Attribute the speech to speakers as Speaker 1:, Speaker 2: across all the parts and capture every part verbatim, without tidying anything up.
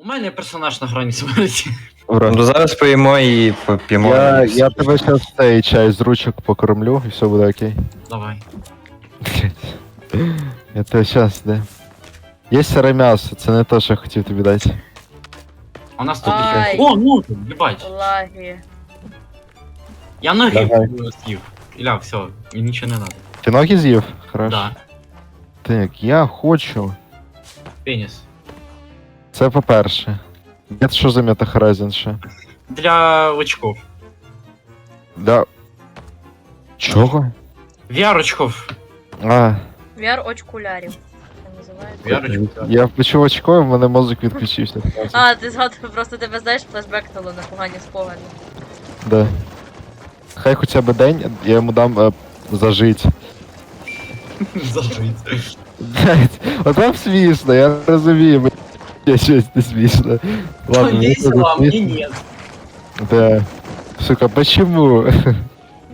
Speaker 1: У мене персонаж на грані смерті.
Speaker 2: Ура.
Speaker 3: Ну зараз поїмо і поп'ємо.
Speaker 2: Я,
Speaker 3: і все.
Speaker 2: я тебе зараз цей чай з ручок покормлю і все буде окей.
Speaker 1: Давай.
Speaker 2: Я тебе щас, де. Є сире м'ясо, це не те, що я хотів тобі дати.
Speaker 1: У нас тут
Speaker 4: Ай.
Speaker 1: є. О, ну, їбать.
Speaker 4: Лаги.
Speaker 1: Я ноги
Speaker 2: Давай.
Speaker 1: з'їв. Іля, все, мені нічого не треба.
Speaker 2: Ти ноги з'їв? Хорошо.
Speaker 1: Да,
Speaker 2: Так, я хочу.
Speaker 1: пеніс.
Speaker 2: Це по-перше. Це що за метахоразін ще?
Speaker 1: Для очков.
Speaker 2: Да. Чого?
Speaker 1: ві ар-очков.
Speaker 2: А,
Speaker 4: ві ар очкулярів. Це називається.
Speaker 1: ві ар-очков.
Speaker 2: я почув очко, в мене мозок відключився.
Speaker 4: А, ти згадав, просто тебе, знаєш, флешбекнуло на погані спогади.
Speaker 2: Да. Хай хоча б день, я йому дам е, зажить.
Speaker 1: Зажить.
Speaker 2: Блять, от вам смішно, я розумію, мені я щось не смішно. Ладно, мені
Speaker 1: Весело, а
Speaker 2: тоже
Speaker 1: мені
Speaker 2: смішно.
Speaker 1: ні.
Speaker 2: Да. Сука, почему?
Speaker 4: Бля, хуй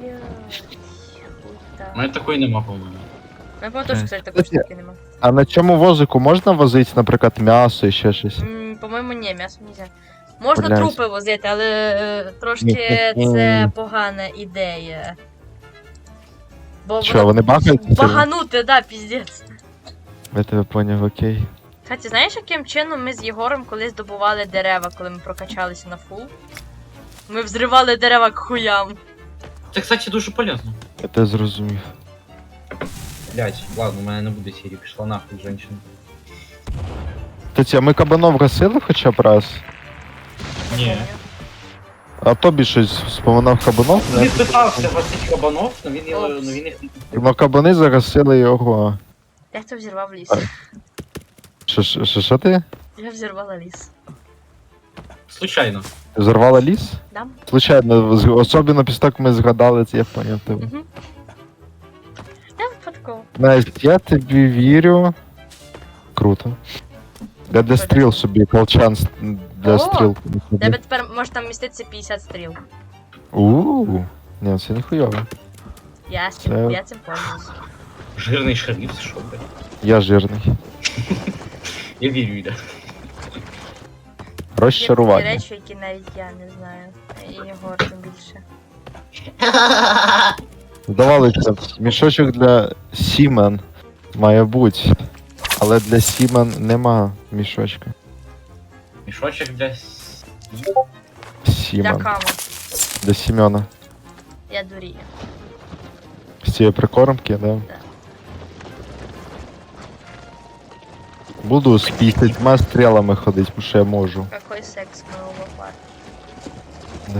Speaker 1: У
Speaker 4: так.
Speaker 1: мене такої нема, по-моєму.
Speaker 4: Я пам'ятаю, що, кстати, такої
Speaker 2: Кстати,
Speaker 4: штуки нема.
Speaker 2: А на цьому возику можна возити, наприклад, м'ясо і ще щось?
Speaker 4: М, По-моєму, ні, м'ясо нельзя. Можна
Speaker 2: Блядь.
Speaker 4: трупи возити, але е, трошки
Speaker 2: Ні-ні-ні.
Speaker 4: це погана ідея. Бо
Speaker 2: Що,
Speaker 4: воно-
Speaker 2: вони багаються?
Speaker 4: Баганути, да, піздець.
Speaker 2: Я тебе поняв, окей.
Speaker 4: Кстати, знаєш, яким чином ми з Єгором колись добували дерева, коли ми прокачалися на фул? Ми взривали дерева к хуям.
Speaker 1: Це, кстати, дуже полезно.
Speaker 2: Я тебе зрозумів.
Speaker 1: Блять, ладно, у мене не буде серії, пішла нахуй, женщина.
Speaker 2: Кстати, а ми кабанов гасили хоча б раз?
Speaker 1: Ні.
Speaker 2: А тобі щось споминав кабанов?
Speaker 1: Він
Speaker 2: Не?
Speaker 1: питався гасити кабанов, але він, його-
Speaker 4: Опс.
Speaker 1: ну, він їх...
Speaker 2: Ну кабани загасили його.
Speaker 4: Я хто взірвав ліс.
Speaker 2: А. Що, що, що, що ти?
Speaker 4: Я взірвала ліс.
Speaker 1: Случайно.
Speaker 2: Зорвала ліс?
Speaker 4: Да?
Speaker 2: Случайно, з- особливо після того, як ми згадали це, я поняв тебе.
Speaker 4: Угу. Я випадково.
Speaker 2: Настя, я тобі вірю. Круто. Я для стріл собі, колчан с- для
Speaker 4: О!
Speaker 2: стріл.
Speaker 4: У тебе тепер може там міститися п'ятдесят стріл.
Speaker 2: Ууу, ні, це ніхуйово.
Speaker 4: Я, з цим,
Speaker 2: Це-
Speaker 4: я цим пользуюсь.
Speaker 1: Жирний шериф, що, блядь?
Speaker 2: Я жирний.
Speaker 1: Я вірю, Іля.
Speaker 4: Є такі
Speaker 2: Розчарування.
Speaker 4: речі, які навіть я не знаю. І Єгор тим більше.
Speaker 2: Здавалося, б, мішочок для сімен має бути. Але для сімен нема мішочка.
Speaker 1: Мішочок для... с-
Speaker 4: Для
Speaker 2: Сімен.
Speaker 4: кама.
Speaker 2: Для Сімена.
Speaker 4: Я дурію.
Speaker 2: З цієї прикормки, да? Буду з п'ятдесятьма стрілами ходити, бо що я можу.
Speaker 4: Какой секс моего лопат.
Speaker 2: Да.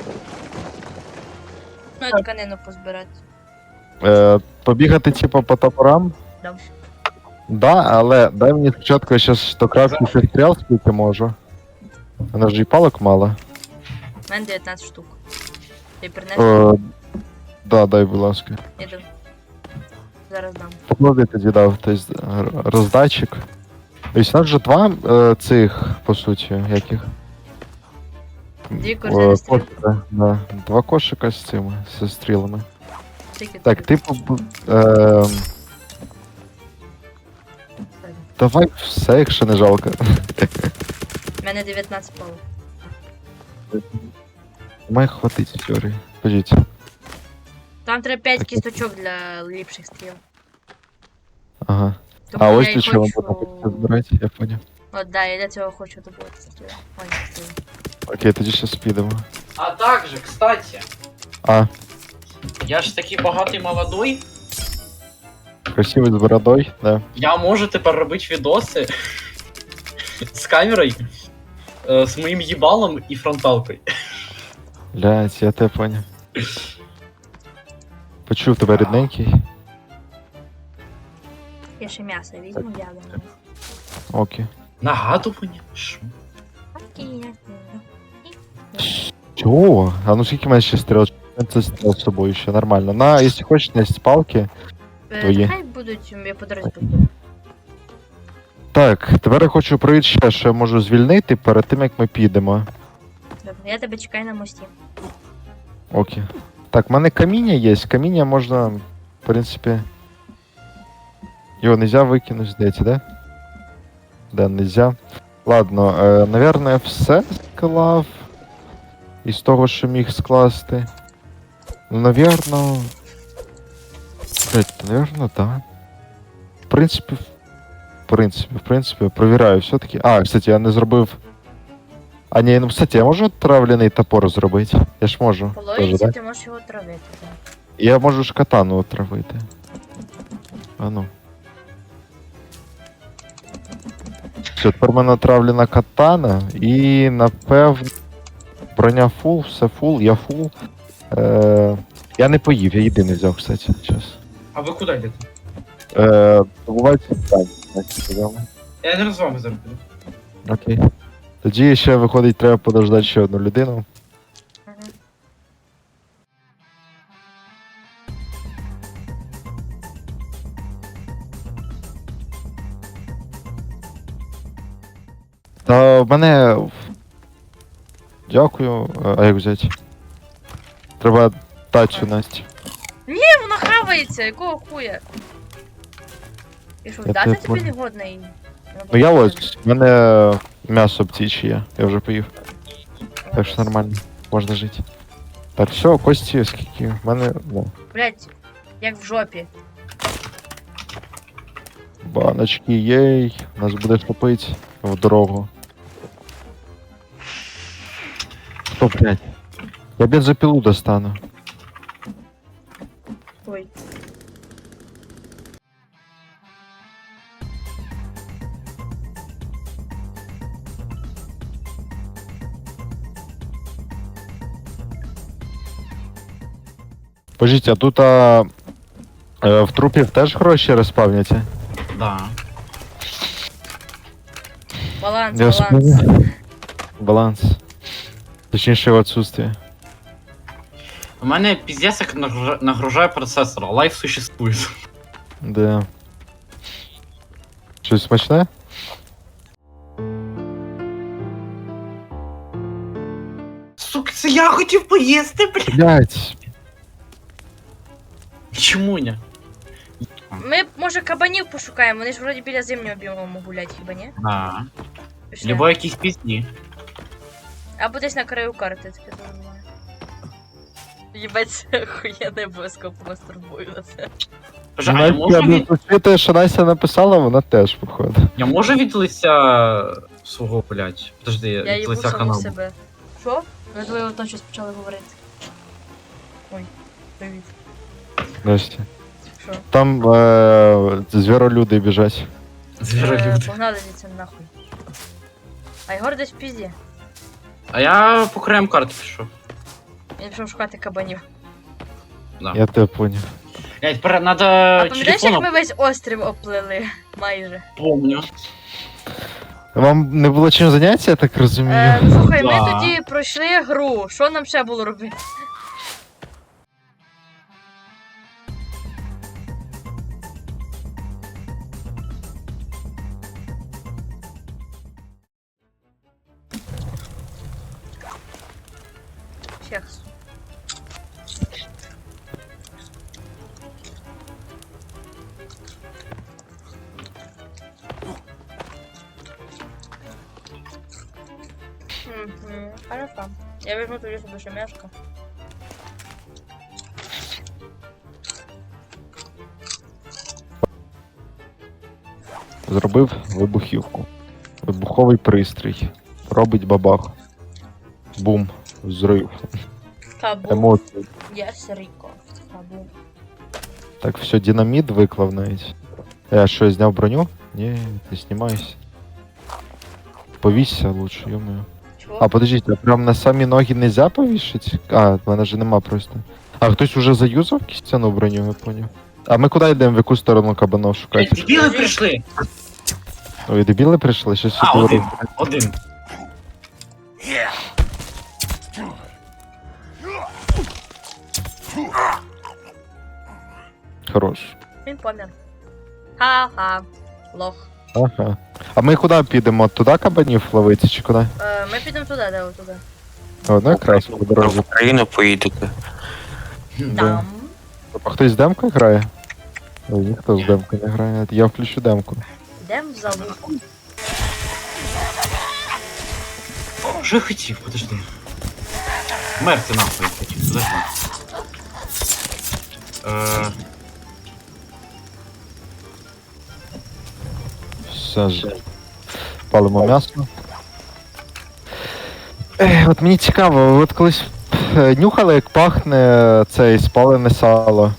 Speaker 4: Ну, я тканину позбирати.
Speaker 2: Е, побігати типу по топорам?
Speaker 4: Да.
Speaker 2: Да, але дай мені спочатку, я щас до крафті стріл скільки можу. Вона ж і палок мало.
Speaker 4: У мене дев'ятнадцять штук. Ти принес?
Speaker 2: Е, да, дай, будь ласка.
Speaker 4: Іду. Зараз дам.
Speaker 2: Поклади тоді дав тобто, роздатчик. Ось у нас же два е, цих, по суті, яких.
Speaker 4: Дві
Speaker 2: Е,
Speaker 4: корзини стріл.
Speaker 2: кошика, да. Два кошика з цими, зі стрілами.
Speaker 4: Скільки
Speaker 2: Так,
Speaker 4: тобі?
Speaker 2: типу. Е, давай все, якщо не жалко.
Speaker 4: У мене дев'ятнадцять палок.
Speaker 2: Має хватить теорії. Подіть.
Speaker 4: Там треба п'ять
Speaker 2: Так.
Speaker 4: кісточок для ліпших стріл.
Speaker 2: Ага.
Speaker 4: Тому
Speaker 2: А
Speaker 4: я
Speaker 2: ось
Speaker 4: і
Speaker 2: для чого
Speaker 4: хочу...
Speaker 2: можна збирати, я поняв.
Speaker 4: От, да, я для цього хочу добувати стріли. Ой, стріли.
Speaker 2: Окей, тоді щас підемо.
Speaker 1: А также, кстати,
Speaker 2: А,
Speaker 1: я ж такий багатий молодой,
Speaker 2: красивий з бородою, да.
Speaker 1: я можу тепер робити відоси з камерою, е, з моїм їбалом і фронталкою.
Speaker 2: Блять, я тебе поняв. Почув тебе рідненький.
Speaker 4: Я ще м'ясо візьму, я думаю.
Speaker 2: Окей.
Speaker 1: Нагадування? Що?
Speaker 4: Окей, я
Speaker 2: Чого? А ну скільки мене ще стріл? Це стріл з собою ще нормально. На, якщо хочеш, на палки. Твої.
Speaker 4: Е, Хай будуть, я по дорозі буду.
Speaker 2: Так, тепер я хочу провірити ще, що я можу звільнити перед тим, як ми підемо.
Speaker 4: Добре, я тебе чекаю на мості.
Speaker 2: Окей. Так, в мене каміння є. Каміння можна, в принципі. Його нельзя викинути, здається, да? Да, нельзя. Ладно, е, наверное, все склав. Із того, що міг скласти. Ну, навірно. Блять, навірно, так. В принципі, в принципі, в принципі, провіряю все-таки. А, кстати, я не зробив. А ні, ну кстати, я можу травляний топор зробити? Я ж можу.
Speaker 4: По
Speaker 2: Тоже,
Speaker 4: логіці
Speaker 2: да?
Speaker 4: ти можеш його травити, так.
Speaker 2: Я можу ж катану отравити. А ну. Все, тепер в мене отравлена катана і напевно. Броня фул, все фул, я фул. Е, я не поїв, я єдиний взяв, кстати, час.
Speaker 1: А ви куди йдете?
Speaker 2: Е, добувайте питання, значить, сказали.
Speaker 1: Я не з вами зараз піду.
Speaker 2: Окей. Тоді ще виходить, треба подождати ще одну людину.
Speaker 4: Мгм.
Speaker 2: Та в мене. Дякую. А як взяти? Треба тачу, Настя.
Speaker 4: Ні, вона хавається, якого хуя? І що,
Speaker 2: Я
Speaker 4: вдати
Speaker 2: тебе
Speaker 4: тобі
Speaker 2: понял.
Speaker 4: не годна і...
Speaker 2: Ну я ось, в мене м'ясо птіче є, я вже поїв. Так що нормально, можна жити. Так, все, кості, скільки в мене. Ну,
Speaker 4: Блять, як в жопі.
Speaker 2: баночки, єй, нас буде топити в дорогу. Хто, блядь? Я бензопилу достану.
Speaker 4: Ой.
Speaker 2: Пожіть, а тут а, е, в трупів теж гроші розпавняться?
Speaker 1: Да.
Speaker 4: Баланс,
Speaker 2: Я
Speaker 4: баланс.
Speaker 2: вспомнил. Баланс. Точніше, в отсутствие.
Speaker 1: У мене піздець як нагружа- нагружає процесор, а лайф существує.
Speaker 2: Да. Щось смачне?
Speaker 1: Сука, це я хотів поїсти, блядь.
Speaker 2: Блять.
Speaker 1: Чому ні?
Speaker 4: Ми, може, кабанів пошукаємо, вони ж вроді біля зимнього біому гулять, хіба ні?
Speaker 1: А,
Speaker 4: Пішли.
Speaker 1: Либо якісь пісні.
Speaker 4: Або десь на краю карти, таке думаю. Єбать, це охуєнний обов'язково мастурбую на це.
Speaker 1: Боже, а я можу,
Speaker 2: Я
Speaker 1: від...
Speaker 2: не те, що Настя написала, вона теж, походу.
Speaker 1: я можу від лиця свого, блядь. Подожди,
Speaker 4: Я
Speaker 1: від
Speaker 4: їбу
Speaker 1: лиця
Speaker 4: саму
Speaker 1: каналу.
Speaker 4: себе. Що? Ми двоє одно щось почали говорити. Ой, привіт.
Speaker 2: Настя.
Speaker 4: Що?
Speaker 2: Там е- звіролюди біжать.
Speaker 4: Е,
Speaker 1: Звіролюди.
Speaker 4: Погнали звідси нахуй. А Єгор десь в пізді.
Speaker 1: А я по краям карти пішов.
Speaker 4: Він пішов шукати кабанів.
Speaker 1: Да.
Speaker 2: Я тебе поняв.
Speaker 1: Блядь, тепер надо
Speaker 4: А пам'ятаєш, як
Speaker 1: телефоном
Speaker 4: ми весь острів оплили? Майже.
Speaker 1: помню.
Speaker 2: Вам не було чим зайнятися, я так розумію?
Speaker 4: Е, слухай, ми
Speaker 1: Да.
Speaker 4: тоді пройшли гру. Що нам ще було робити? Чекс. Угу, хорошо. Я возьму туда себе еще мяско.
Speaker 2: Зробив вибухівку. Вибуховий пристрій. Робить бабах. Бум. Взрив.
Speaker 4: Табу.
Speaker 2: Емоції.
Speaker 4: Yes, Рико. Табу.
Speaker 2: Так, все, динаміт виклав навіть. Я що, зняв броню? Ні, не знімайся. Повісься лучше, ё-моё.
Speaker 4: Чего?
Speaker 2: А, подождіть, а прям на самі ноги нельзя повішать? А, в мене ж нема просто. А хтось уже заюзав кістяну броню, я поняв. А ми куди йдемо, в яку сторону кабанов
Speaker 1: Блядь,
Speaker 2: шукати?
Speaker 1: дебіли прийшли.
Speaker 2: Ой, дебіли прийшли? Щось
Speaker 1: А,
Speaker 2: сюди
Speaker 1: один.
Speaker 2: роблять.
Speaker 1: Один.
Speaker 2: Хорош.
Speaker 4: Він помер. Ха-ха. Лох.
Speaker 2: Ага. А ми куди підемо? Туди кабанів ловити чи куди?
Speaker 4: Е, ми підемо туди, де ви туди.
Speaker 2: О, ну якраз по
Speaker 3: В
Speaker 2: дорозі.
Speaker 3: Україну поїдете.
Speaker 2: Да.
Speaker 4: Там.
Speaker 2: А хтось з демкою грає? Ой, ніхто з демкою не грає. Я включу демку.
Speaker 4: Йдемо в залу.
Speaker 1: Що я хотів? Подожди. Мерти нахуй я хотів, подожди. Е,
Speaker 2: Все ж. Палимо м'ясо. Ех, от мені цікаво, ви от колись е, нюхали, як пахне цей спалене сало?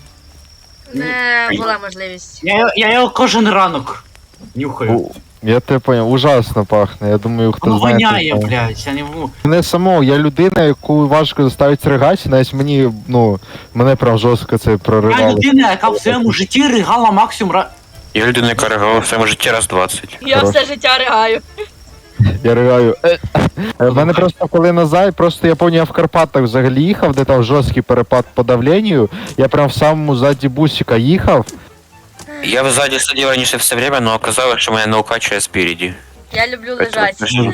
Speaker 4: Не була можливість.
Speaker 1: я, я його кожен ранок нюхаю.
Speaker 2: У, я тебе поняв, ужасно пахне. Я думаю, хто
Speaker 1: Воно
Speaker 2: знає.
Speaker 1: воняє,
Speaker 2: той знає.
Speaker 1: блядь, я не можу.
Speaker 2: Мене самого, я людина, яку важко заставити ригати, навіть мені, ну, мене прям жорстко це
Speaker 1: Я
Speaker 2: проривало.
Speaker 1: людина, яка в своєму житті ригала максимум раз.
Speaker 3: Я людина, яка реагувала в своєму житті раз двадцять.
Speaker 4: Я
Speaker 2: Хорош.
Speaker 4: все життя ригаю.
Speaker 2: Я ригаю. Е, е, в мене просто коли назад, просто я пам'ятаю, я в Карпатах взагалі їхав, де там жорсткий перепад по давленню, я прям в самому ззаді бусика їхав.
Speaker 3: Я в ззаді сидів раніше все время, но оказалось, що мене не укачує спереді.
Speaker 4: Я люблю лежати.
Speaker 2: Ні,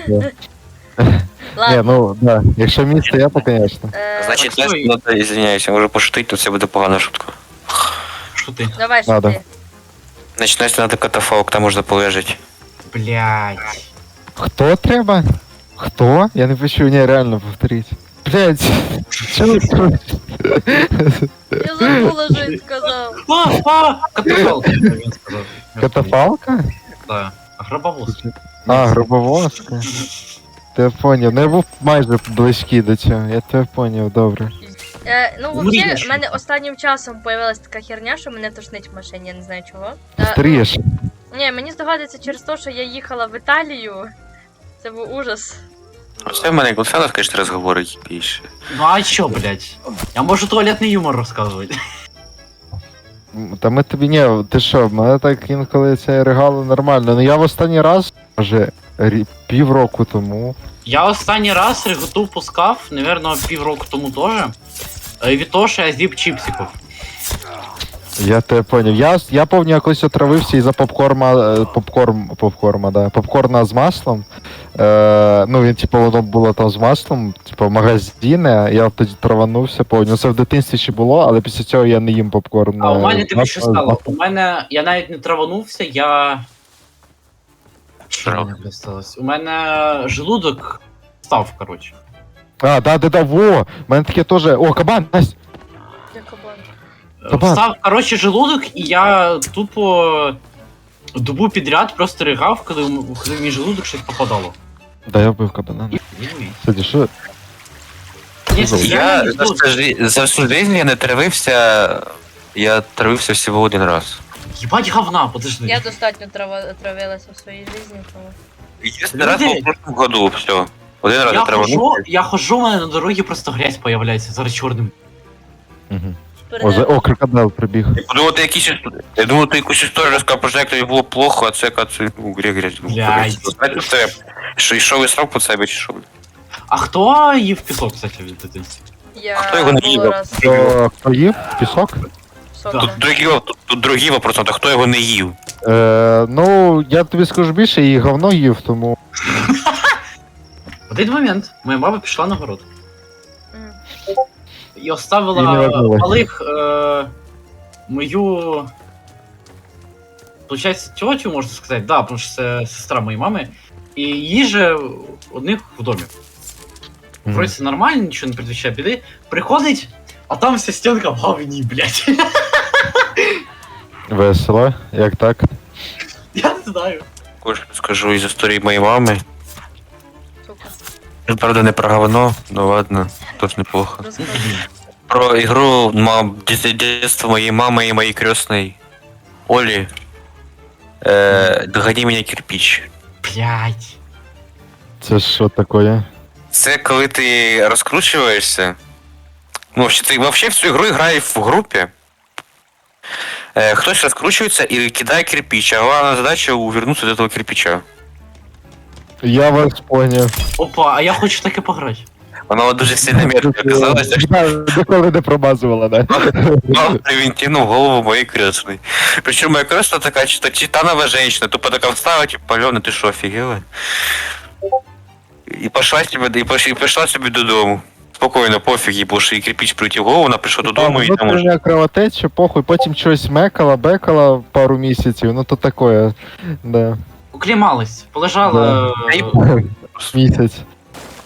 Speaker 4: Ладно.
Speaker 2: ну, да, якщо місце, я, то, звісно.
Speaker 4: е,
Speaker 3: Значить,
Speaker 1: так,
Speaker 3: Настя, надо, извиняюся, можу пошутити, то це буде погана шутка.
Speaker 1: Що ти?
Speaker 4: Давай, що
Speaker 2: Надо.
Speaker 4: ти?
Speaker 3: Значить, Настя, надо катафалк, там можна полежати.
Speaker 1: Блядь.
Speaker 2: Хто треба? Хто? Я не почув, ні, реально повторіть. Блять, що ви тут?
Speaker 4: Я забула, що він сказав.
Speaker 1: А, а, катафалк, він сказав.
Speaker 2: Катафалка?
Speaker 1: Так. Гробовоз.
Speaker 2: А, грубовозка. Ти поняв, ну я був майже близький до цього, я тебе поняв, добре.
Speaker 4: Е, ну,
Speaker 1: Мрієш.
Speaker 4: взагалі, в мене останнім часом появилась така херня, що мене тошнить в машині, я не знаю чого. Е,
Speaker 2: Старієш.
Speaker 4: Ні, мені здогадується через те, що я їхала в Італію. Це був ужас.
Speaker 3: Оце в мене Гонсалес, конечно, розговорить більше.
Speaker 1: Ну а чо, блядь? Я можу туалетний юмор розказувати.
Speaker 2: М, Та ми тобі ні, ти що, мене так інколи це регало нормально. Ну я в останній раз, може, рі- півроку тому.
Speaker 1: Я останній раз реготу пускав, напевно, півроку тому теж. е, Від того, що я з'їв чіпсиків.
Speaker 2: Я тебе поняв. Я, я пам'ятаю, якось отравився із-за попкорма, е, попкорм, попкорма, да, попкорна з маслом. Е, ну він, типу, воно було там з маслом, типу, магазине, я тоді траванувся, пам'ятаю. Це в дитинстві ще було, але після цього я не їм попкорн.
Speaker 1: А у
Speaker 2: е,
Speaker 1: мене
Speaker 2: з
Speaker 1: тобі що
Speaker 2: маслом, з
Speaker 1: стало?
Speaker 2: маслом.
Speaker 1: У мене. Я навіть не траванувся, я. Що
Speaker 3: Трав.
Speaker 1: в мене блядь, сталося? У мене желудок став, коротше.
Speaker 2: А, да, да, да, во! У мене таке теж. О, кабан, Настя!
Speaker 4: Я кабан.
Speaker 1: Е,
Speaker 2: Кабан.
Speaker 1: Встав, коротше, желудок, і я тупо добу підряд просто ригав, коли, м- коли в мій желудок щось попадало.
Speaker 2: Да, я вбив кабана.
Speaker 1: І-
Speaker 2: Кстати, що?
Speaker 1: Ні,
Speaker 2: Забув.
Speaker 3: Я
Speaker 1: не
Speaker 3: за всю, жи- за всю жизнь я не травився, я травився всього один раз.
Speaker 1: Їбать говна, подожди.
Speaker 4: Я достатньо трава... травилася в своїй житті, тому.
Speaker 3: Єдиний раз був в прошлом году, все. Один раз
Speaker 1: Я
Speaker 3: я
Speaker 1: хожу,
Speaker 3: траванувся.
Speaker 1: я хожу, у мене на дорогі просто грязь появляється, зараз чорним.
Speaker 2: Угу. О, за... О, крокодил прибіг.
Speaker 3: Я думав, ти якісь я думав, ти якусь історію розказав, про як тобі було плохо, а це яка це ну, грязь грязь.
Speaker 1: Блядь.
Speaker 3: Знаєте, в тебе, що йшов і срав по себе, чи що?
Speaker 1: А хто їв пісок, кстати, від дитинства?
Speaker 4: Я
Speaker 3: хто його не
Speaker 4: було
Speaker 3: їв?
Speaker 4: раз
Speaker 2: Хто, хто їв? Пісок?
Speaker 4: сока.
Speaker 3: Тут другий, тут, тут другий вопрос, а хто його не їв?
Speaker 2: Е, ну, я тобі скажу більше, і говно їв, тому.
Speaker 1: В один момент моя мама пішла на город
Speaker 4: М.
Speaker 1: і
Speaker 2: І не
Speaker 1: оставила
Speaker 2: вернулась.
Speaker 1: малих е, мою. Получається, тьотю, можна сказати, да, тому що це сестра моєї мами. І їжа у них в домі.
Speaker 2: Мгм.
Speaker 1: Вроді це нормально, нічого не предвіщає біди. Приходить, а там вся стінка в говні, блядь.
Speaker 2: Весело, як так?
Speaker 1: Я не знаю.
Speaker 3: Також скажу із історії моєї мами.
Speaker 4: Сука.
Speaker 3: Тут, правда, не про говно, ну ладно, теж неплохо.
Speaker 4: Розкажи.
Speaker 3: Про ігру мам, дитинство моєї мами і моєї крестної Олі. Е, Догони мене кирпич.
Speaker 1: Блядь.
Speaker 2: Це що таке?
Speaker 3: Це коли ти розкручуєшся. Ну, вообще, ти вообще в цю ігру грає в групі. Е, хтось розкручується і кидає кирпич, а головна задача увернутися до того кирпича.
Speaker 2: Я вас поняв.
Speaker 1: Опа, а я хочу таке пограти.
Speaker 3: Воно дуже сильно мерзко оказалося, що
Speaker 2: Да, ніколи не промазувала, да?
Speaker 3: мав превентивну в голову моєї крестної. Причому моя крестна така, чи то титанова женщина, тупо така встала, типу, Пальона, ти що, офігела? І пішла собі, і піш- і пішла собі додому. Спокійно, пофіг їй, бо що їй кирпич прилетів в голову, вона прийшла додому і там уже.
Speaker 2: Внутрішня кровотеча, похуй, потім щось мекала, бекала пару місяців, ну то таке, да,
Speaker 1: Уклімалась, полежала.
Speaker 3: Та й
Speaker 1: е,
Speaker 3: похуй.
Speaker 2: місяць.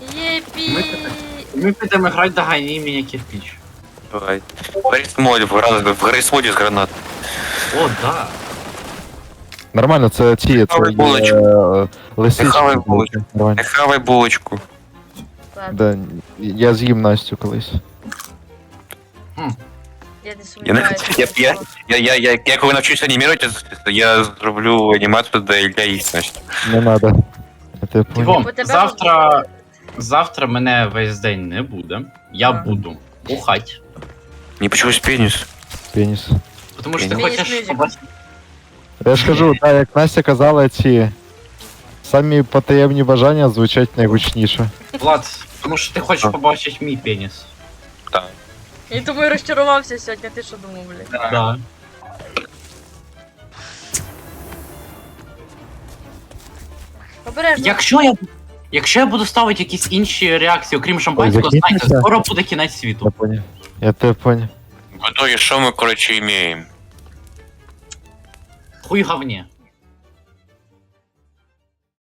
Speaker 4: Пі.
Speaker 1: Ми підемо грати до Гайні мене кирпич.
Speaker 3: Давай. В Гаррисмоді, в Гра- в Гаррисмоді з гранат.
Speaker 1: О, да.
Speaker 2: Нормально, це ті, це
Speaker 3: Хавай
Speaker 2: є,
Speaker 3: булочку.
Speaker 2: е, лисички.
Speaker 3: Хавай булочку.
Speaker 2: Нормально.
Speaker 3: Не хавай булочку.
Speaker 4: Ладно,
Speaker 2: Да, я з'їм Настю колись.
Speaker 4: я не
Speaker 3: Я, не-
Speaker 4: сумніваюся.
Speaker 3: я,
Speaker 4: що
Speaker 3: я,
Speaker 4: це.
Speaker 3: я, я, я, я коли навчусь анімувати, я зроблю анімацію для Ілля їсть, значить.
Speaker 2: Не надо. Я тебе понял.
Speaker 1: Типом,
Speaker 4: У тебе
Speaker 1: завтра. Завтра мене весь день не буде. Я
Speaker 4: А.
Speaker 1: буду бухать.
Speaker 3: Не почусь пеніс.
Speaker 2: Пеніс.
Speaker 1: Тому що ти
Speaker 4: Пеніс
Speaker 1: хочеш
Speaker 4: мюзик.
Speaker 1: побачити.
Speaker 2: Я ж кажу, так, як Настя казала, ці самі потаємні бажання звучать найгучніше.
Speaker 1: Влад, тому що ти хочеш
Speaker 3: А.
Speaker 1: побачити мій пеніс.
Speaker 3: Так.
Speaker 4: І тому і розчарувався сьогодні, ти що думав, блядь?
Speaker 1: Да.
Speaker 4: Обережно.
Speaker 1: Якщо я. Якщо я буду ставити якісь інші реакції, окрім шампанського,
Speaker 2: Ой,
Speaker 1: знайте,
Speaker 2: закінчиться?
Speaker 1: скоро буде кінець
Speaker 2: Я
Speaker 1: світу.
Speaker 2: понял. Я тебе понял.
Speaker 3: В итоге, що ми, коротше, імеємо?
Speaker 1: Хуй говні.